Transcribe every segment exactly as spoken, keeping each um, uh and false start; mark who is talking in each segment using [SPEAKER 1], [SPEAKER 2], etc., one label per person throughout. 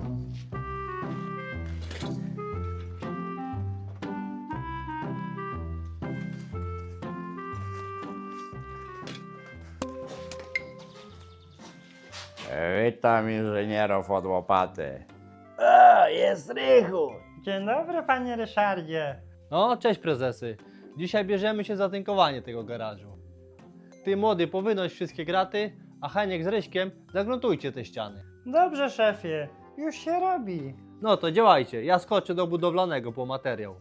[SPEAKER 1] Witam inżynierów od łopaty.
[SPEAKER 2] O, jest Rychu.
[SPEAKER 3] Dzień dobry, panie Ryszardzie.
[SPEAKER 4] No, cześć prezesy. Dzisiaj bierzemy się za tynkowanie tego garażu. Ty młody, powynoś wszystkie graty, a Heniek z Ryśkiem zagruntujcie te ściany.
[SPEAKER 3] Dobrze, szefie, już się robi.
[SPEAKER 4] No to działajcie, ja skoczę do budowlanego po materiał.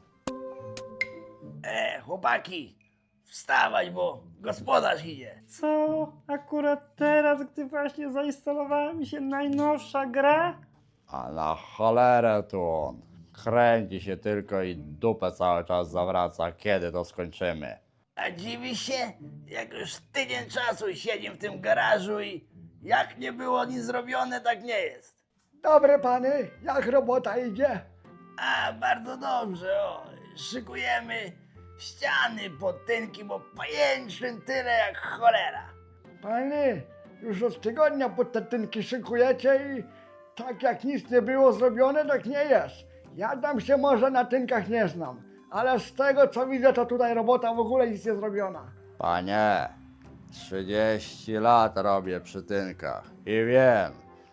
[SPEAKER 2] E, chłopaki, wstawać, bo gospodarz idzie.
[SPEAKER 3] Co? Akurat teraz, gdy właśnie zainstalowała mi się najnowsza gra?
[SPEAKER 1] A na cholerę tu on. Kręci się tylko i dupę cały czas zawraca. Kiedy to skończymy?
[SPEAKER 2] A dziwi się, jak już tydzień czasu siedzimy w tym garażu i jak nie było nic zrobione, tak nie jest.
[SPEAKER 5] Dobre pany, jak robota idzie?
[SPEAKER 2] A, bardzo dobrze, o, szykujemy ściany pod tynki, bo pajęczyn tyle jak cholera.
[SPEAKER 5] Panie, już od tygodnia pod te tynki szykujecie i tak jak nic nie było zrobione, tak nie jest. Ja tam się może na tynkach nie znam, ale z tego co widzę, to tutaj robota w ogóle nic nie zrobiona.
[SPEAKER 1] Panie, trzydzieści lat robię przy tynkach i wiem,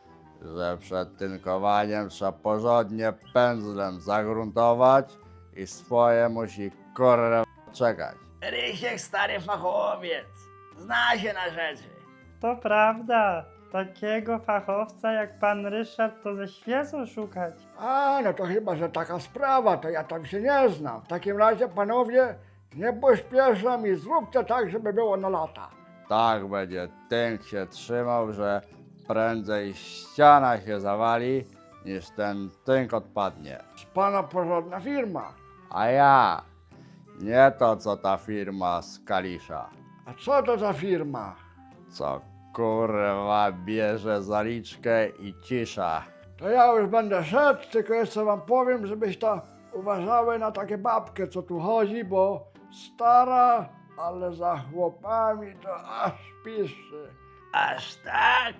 [SPEAKER 1] że przed tynkowaniem trzeba porządnie pędzlem zagruntować i swoje musi kurwa czekać.
[SPEAKER 2] Rysiek stary fachowiec, zna się na rzeczy.
[SPEAKER 3] To prawda, takiego fachowca jak pan Ryszard to ze świecą szukać.
[SPEAKER 5] A, no to chyba, że taka sprawa, to ja tam się nie znam. W takim razie, panowie, nie pośpieszam i zróbcie tak, żeby było na lata.
[SPEAKER 1] Tak będzie tynk się trzymał, że prędzej ściana się zawali, niż ten tynk odpadnie.
[SPEAKER 5] Z pana porządna firma.
[SPEAKER 1] A ja, nie to co ta firma z Kalisza,
[SPEAKER 5] A co to za firma?
[SPEAKER 1] co kurwa bierze zaliczkę i cisza.
[SPEAKER 5] To ja już będę szedł, tylko jeszcze wam powiem, żebyście uważały na takie babkę, co tu chodzi, bo stara, ale za chłopami to aż pisze.
[SPEAKER 2] Aż tak?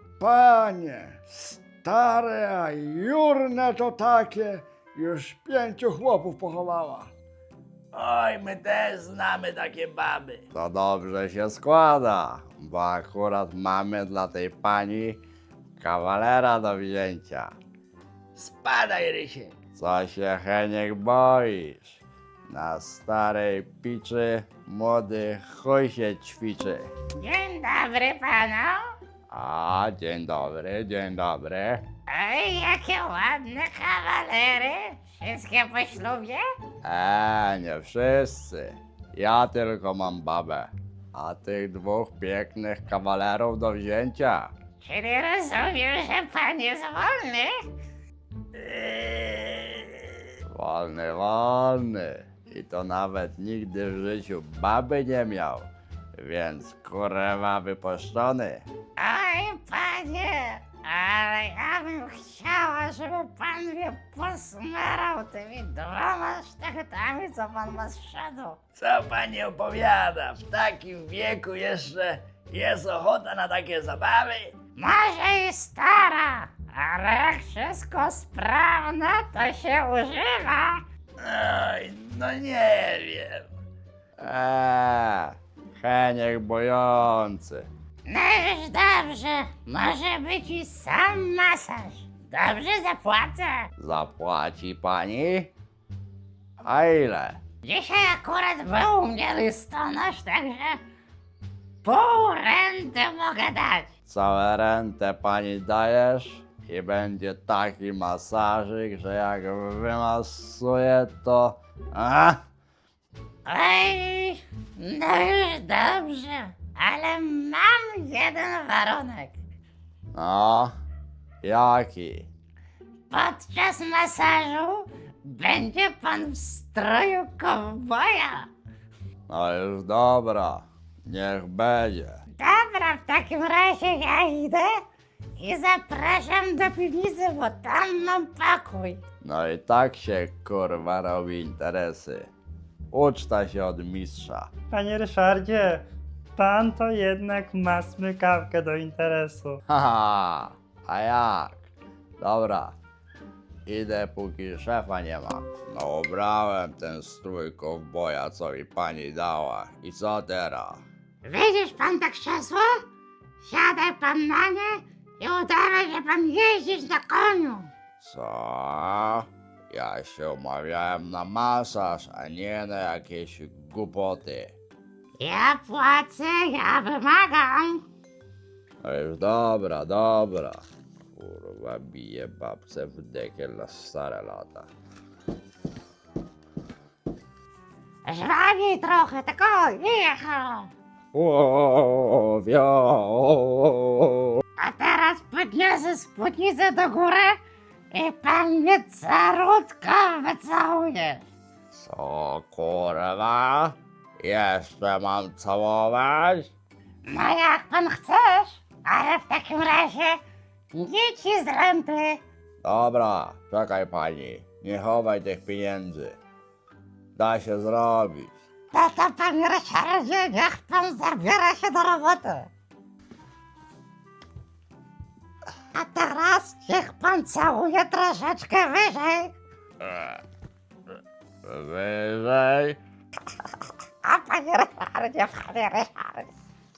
[SPEAKER 5] Panie, stare, a jurne to takie, już pięciu chłopów pochowała.
[SPEAKER 2] Oj, my też znamy takie baby.
[SPEAKER 1] To dobrze się składa, bo akurat mamy dla tej pani kawalera do wzięcia.
[SPEAKER 2] Spadaj, Rysiek.
[SPEAKER 1] Co się Heniek boisz? Na starej piczy młody chuj się ćwiczy.
[SPEAKER 6] Dzień dobry panu.
[SPEAKER 1] A, dzień dobry, dzień dobry.
[SPEAKER 6] Oj, jakie ładne kawalery. Wszystkie po ślubie?
[SPEAKER 1] Eee, nie wszyscy. Ja tylko mam babę. A tych dwóch pięknych kawalerów do wzięcia.
[SPEAKER 6] Czyli rozumiem, że pan jest wolny?
[SPEAKER 2] Eee,
[SPEAKER 1] Wolny, wolny. I to nawet nigdy w życiu baby nie miał. Więc kurwa wypuszczony.
[SPEAKER 6] Oj, panie, ale ja bym chciała, żeby pan mnie posmarał tymi dwoma sztachetami, co pan ma z przodu.
[SPEAKER 2] co pani opowiada? W takim wieku jeszcze jest ochota na takie zabawy?
[SPEAKER 6] Może i stara, ale jak wszystko sprawne, to się używa.
[SPEAKER 2] Oj, no nie wiem.
[SPEAKER 1] Eee, Heniek bojący.
[SPEAKER 6] No już dobrze, może być i sam masaż. Dobrze zapłacę.
[SPEAKER 1] Zapłaci pani? A ile?
[SPEAKER 6] Dzisiaj akurat był u mnie listonosz, także pół renty mogę dać.
[SPEAKER 1] Całe rentę pani dajesz i będzie taki masażyk, że jak wymasuje to... A?
[SPEAKER 6] Oj, no już dobrze, ale mam jeden warunek.
[SPEAKER 1] No, jaki?
[SPEAKER 6] Podczas masażu będzie pan w stroju kowboja.
[SPEAKER 1] No już dobra, niech będzie.
[SPEAKER 6] Dobra, w takim razie ja idę i zapraszam do piwnicy, bo tam mam pokój.
[SPEAKER 1] No i tak się kurwa robi interesy. Uczta się od mistrza.
[SPEAKER 3] Panie Ryszardzie, pan to jednak ma smykawkę do interesu.
[SPEAKER 1] Haha, a jak? Dobra, idę póki szefa nie ma. No ubrałem ten strój kowboja, co mi pani dała. I co teraz?
[SPEAKER 6] Widzisz pan to krzesło? Siadaj pan na nie i udawaj, że pan jeździć na koniu.
[SPEAKER 1] Co? Ja się umawiałem na masaż, a nie na jakieś głupoty.
[SPEAKER 6] Ja płacę, ja wymagam.
[SPEAKER 1] No już dobra, dobra. Kurwa, bije babce w dekiel na stare lata.
[SPEAKER 6] Żwawiej trochę, tylko jechał.
[SPEAKER 1] O, wio.
[SPEAKER 6] A teraz podniosę spódnicę do góry i pan mnie carutko wycałuje.
[SPEAKER 1] Co kurwa? Jeszcze mam całować?
[SPEAKER 6] No jak pan chcesz, ale w takim razie nie ci z renty.
[SPEAKER 1] Dobra, czekaj pani. Nie chowaj tych pieniędzy. Da się zrobić.
[SPEAKER 6] No to panie Ryszardzie, niech pan zabiera się do roboty. A teraz niech pan całuje troszeczkę wyżej.
[SPEAKER 1] Wyżej.
[SPEAKER 6] A panie Ryszardzie, panie Ryszardzie.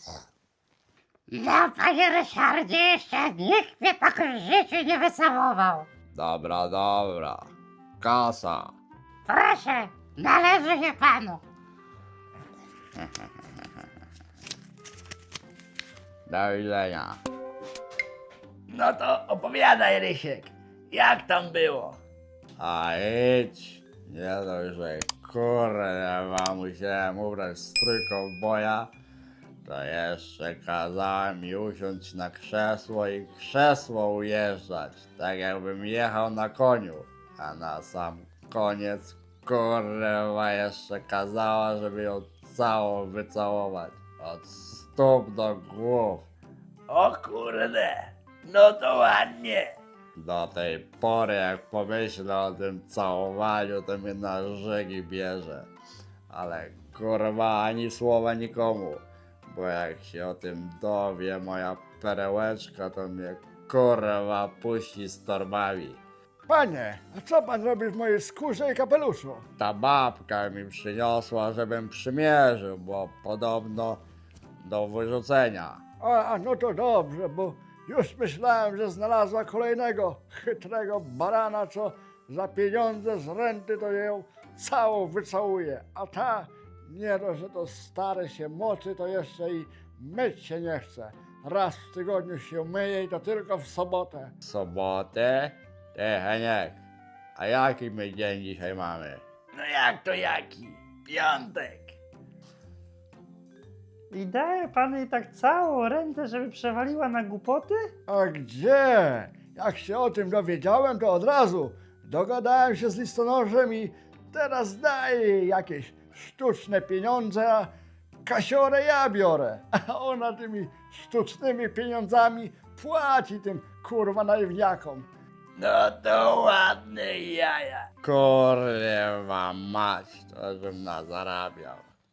[SPEAKER 6] No panie Ryszardzie, jeszcze nikt mnie tak w życiu nie wycałował.
[SPEAKER 1] Dobra, dobra. Kasa.
[SPEAKER 6] Proszę, należy się panu.
[SPEAKER 1] Do widzenia.
[SPEAKER 2] No to opowiadaj, Rysiek, jak tam było?
[SPEAKER 1] A idź. Nie dość, że kurwa musiałem ubrać strój kowboja, to jeszcze kazałem mi usiąść na krzesło i krzesło ujeżdżać, tak jakbym jechał na koniu. A na sam koniec kurwa jeszcze kazała, żeby ją całą wycałować. Od stóp do głów.
[SPEAKER 2] O kurde, no to ładnie.
[SPEAKER 1] Do tej pory, jak pomyślę o tym całowaniu, to mnie na żygi bierze. Ale kurwa, ani słowa nikomu. Bo jak się o tym dowie moja perełeczka, to mnie kurwa puści z torbami.
[SPEAKER 5] Panie, a co pan robi w mojej skórze i kapeluszu?
[SPEAKER 1] Ta babka mi przyniosła, żebym przymierzył, bo podobno do wyrzucenia.
[SPEAKER 5] A, a no to dobrze, bo już myślałem, że znalazła kolejnego chytrego barana, co za pieniądze z renty to ją całą wycałuje. A ta, nie dość, że to stare się moczy, to jeszcze i myć się nie chce. Raz w tygodniu się myje i to tylko w sobotę.
[SPEAKER 1] Sobotę? Ty, Heniek, a jaki my dzień dzisiaj mamy?
[SPEAKER 2] No jak to jaki? Piątek.
[SPEAKER 3] I daje pan jej tak całą rentę, żeby przewaliła na głupoty?
[SPEAKER 5] A gdzie? Jak się o tym dowiedziałem, to od razu dogadałem się z listonoszem i teraz daję jej jakieś sztuczne pieniądze, a kasiorę ja biorę. A ona tymi sztucznymi pieniądzami płaci tym kurwa naiwniakom.
[SPEAKER 2] No to ładne jaja.
[SPEAKER 1] Kurwa mać, to żebym nazarabiał.